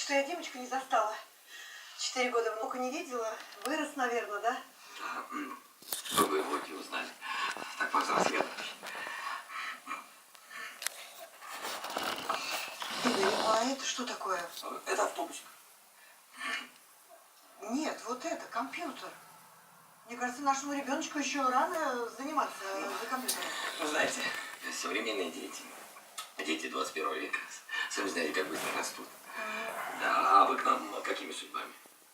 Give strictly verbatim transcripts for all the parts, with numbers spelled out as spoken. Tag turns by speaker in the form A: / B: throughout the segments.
A: что я девочку не застала. Четыре года внука не видела. Вырос, наверное, да?
B: Да. Другой внуки узнали. Так повзрослела.
A: Игорь, а это что такое?
B: Это автобусик.
A: Нет, вот это, компьютер. Мне кажется, нашему ребеночку еще рано заниматься за компьютером.
B: Вы знаете, современные дети, дети двадцать первого века, сами знаете, как быстро растут. Да, а вы к нам какими судьбами?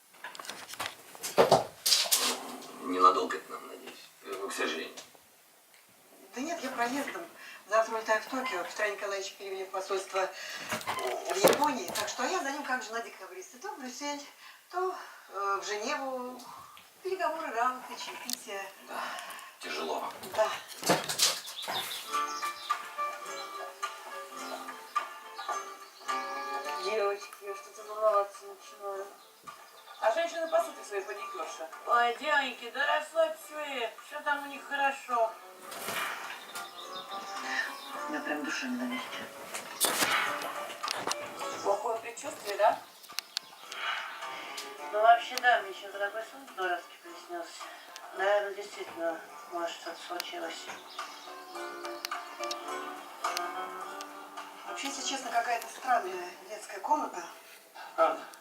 B: Ненадолго к нам, надеюсь, к сожалению.
A: Да нет, я проездом. Завтра улетаю в Токио. Петра Николаевича перевели в посольство в Японии. Так что я за ним как жена декабриста. То в Брюссель, то э, в Женеву. Переговоры, рауты, чаепития.
B: Да, тяжело вам.
A: Да.
C: Девочки, я что-то волноваться начинаю. А женщины, по сути, свои паникерши. Ой, девоньки, да расслабьтесь вы. Все там у них хорошо.
A: У меня прям душа не на месте.
C: Плохое предчувствие, да? Ну, вообще, да, мне сейчас такой сон здоровский приснился. Наверное, действительно, может, что-то случилось.
A: Вообще, если честно, какая-то странная детская комната.
B: Правда?